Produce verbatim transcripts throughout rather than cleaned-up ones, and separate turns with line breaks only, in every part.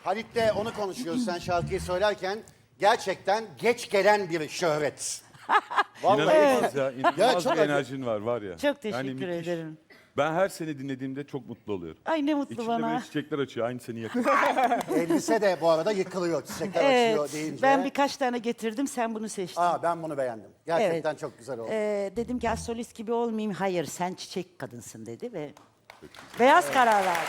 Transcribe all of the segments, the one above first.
Halit'le onu konuşuyoruz sen şarkıyı söylerken. Gerçekten geç gelen bir şöhret.
İnanılmaz ya. İnanılmaz
Ya çok
bir
acı-
enerjin var var ya.
Çok teşekkür
Yani müthiş.
ederim.
Ben her seni dinlediğimde çok mutlu oluyorum.
Ay ne mutlu
İçinde
bana.
böyle çiçekler açıyor. Aynı seni yakın.
Elbise de bu arada yıkılıyor çiçekler açıyor
Evet,
deyince.
ben birkaç tane getirdim, sen bunu seçtin.
Aa, ben bunu beğendim. Gerçekten çok güzel oldu.
Ee, dedim ki solist gibi olmayayım. Hayır, sen çiçek kadınsın dedi ve beyaz karar verdi.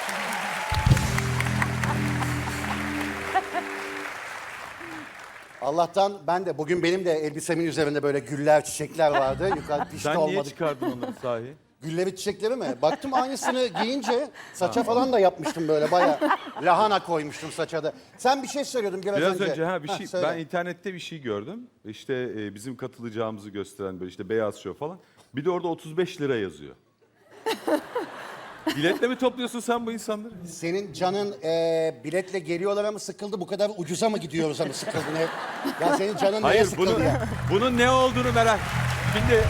Allah'tan ben de bugün benim de elbisemin üzerinde böyle güller, çiçekler vardı. Yukarı pişti
Sen niye
olmadı.
çıkardın onları sahi?
Gülleri çiçekleri mi? Baktım aynısını giyince saça falan da yapmıştım böyle bayağı. Lahana koymuştum saça da. Sen bir şey söylüyordun biraz,
Biraz
önce.
önce ha bir
Ha,
şey
söyle.
ben internette bir şey gördüm. İşte e, bizim katılacağımızı gösteren böyle işte beyaz show falan. Bir de orada otuz beş lira yazıyor. Biletle mi topluyorsun sen bu insanları?
Senin canın e, biletle geliyorlar mı sıkıldı? Bu kadar ucuza mı gidiyoruz ama sıkıldın hep? Ya senin canın neye
Hayır
sıkıldı
bunun,
ya?
bunun ne olduğunu merak. Şimdi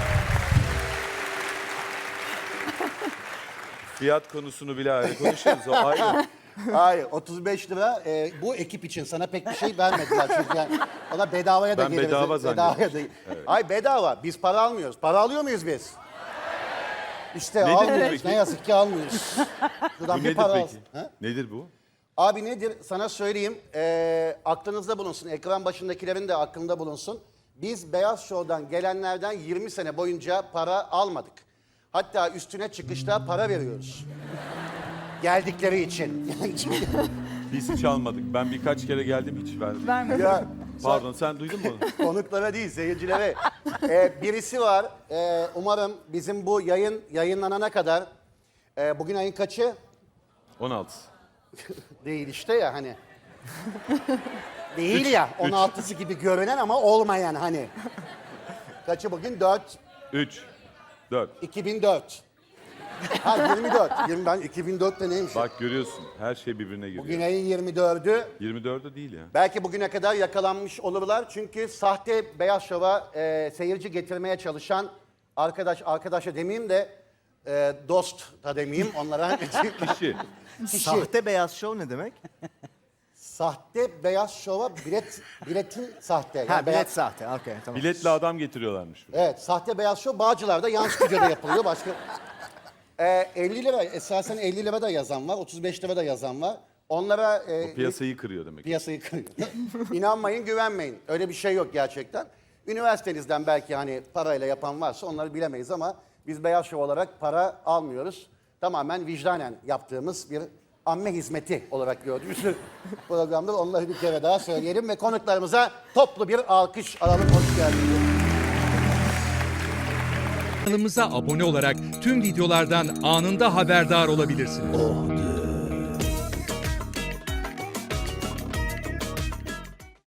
fiyat konusunu bile ayrı konuşuruz. O ayrı.
Hayır, otuz beş lira e, bu ekip için sana pek bir şey vermediler çünkü yani ona bedavaya da
Ben
geliriz.
bedava
bedavaya da. Ay bedava. Biz para almıyoruz. Para alıyor muyuz biz? İşte
Nedir bu
almıyoruz.
peki?
Ne yazık ki almıyoruz. Şuradan
Bu
bir
nedir
para
peki?
alsın. Ha?
Nedir bu?
Abi nedir? Sana söyleyeyim. E, aklınızda bulunsun. Ekran başındakilerin de aklında bulunsun. Biz Beyaz Show'dan gelenlerden yirmi sene boyunca para almadık. Hatta üstüne çıkışta para veriyoruz. Geldikleri için.
Biz hiç almadık. Ben birkaç kere geldim hiç vermedim.
ya,
Pardon sen duydun mu onu?
konuklara değil, seyircilere. Ee, birisi var. Ee, umarım bizim bu yayın yayınlanana kadar, e, bugün ayın kaçı?
on altı.
Değil işte ya hani. Değil ya, on altısı gibi görünen ama olmayan hani. Kaçı bugün? dört.
üç. dört.
iki bin dört. Ha yirmi dört. yirmi, ben iki bin dörtte neymiş?
Bak görüyorsun her şey birbirine giriyor.
Bugün ayın yirmi dördü.
yirmi dördü değil ya.
Belki bugüne kadar yakalanmış olurlar. Çünkü sahte Beyaz Şov'a e, seyirci getirmeye çalışan arkadaş, arkadaşa demeyeyim de e, dost da demeyeyim onlara.
Kişi.
Kişi.
Sahte beyaz şov ne demek?
Sahte Beyaz Şov'a bilet, biletin sahte. Yani
Ha bilet
beyaz-
sahte. Okey tamam.
Biletli adam getiriyorlarmış. buraya.
Evet, sahte Beyaz Şov Bağcılar'da yan stüdyoda yapılıyor. Başka e, elli lira, esasen elli lira da yazan var, otuz beş lira da yazan var. Onlara e,
Piyasayı kırıyor demek.
piyasayı kırıyor. İnanmayın, güvenmeyin. Öyle bir şey yok gerçekten. Üniversitenizden belki hani parayla yapan varsa onları bilemeyiz ama biz Beyaz Şov olarak para almıyoruz. Tamamen vicdanen yaptığımız bir amme hizmeti olarak gördüğümüz bir programdır. Onları bir kere daha söyleyelim ve konuklarımıza toplu bir alkış alalım. Hoş geldiniz.
Kanalımıza abone olarak tüm videolardan anında haberdar olabilirsiniz.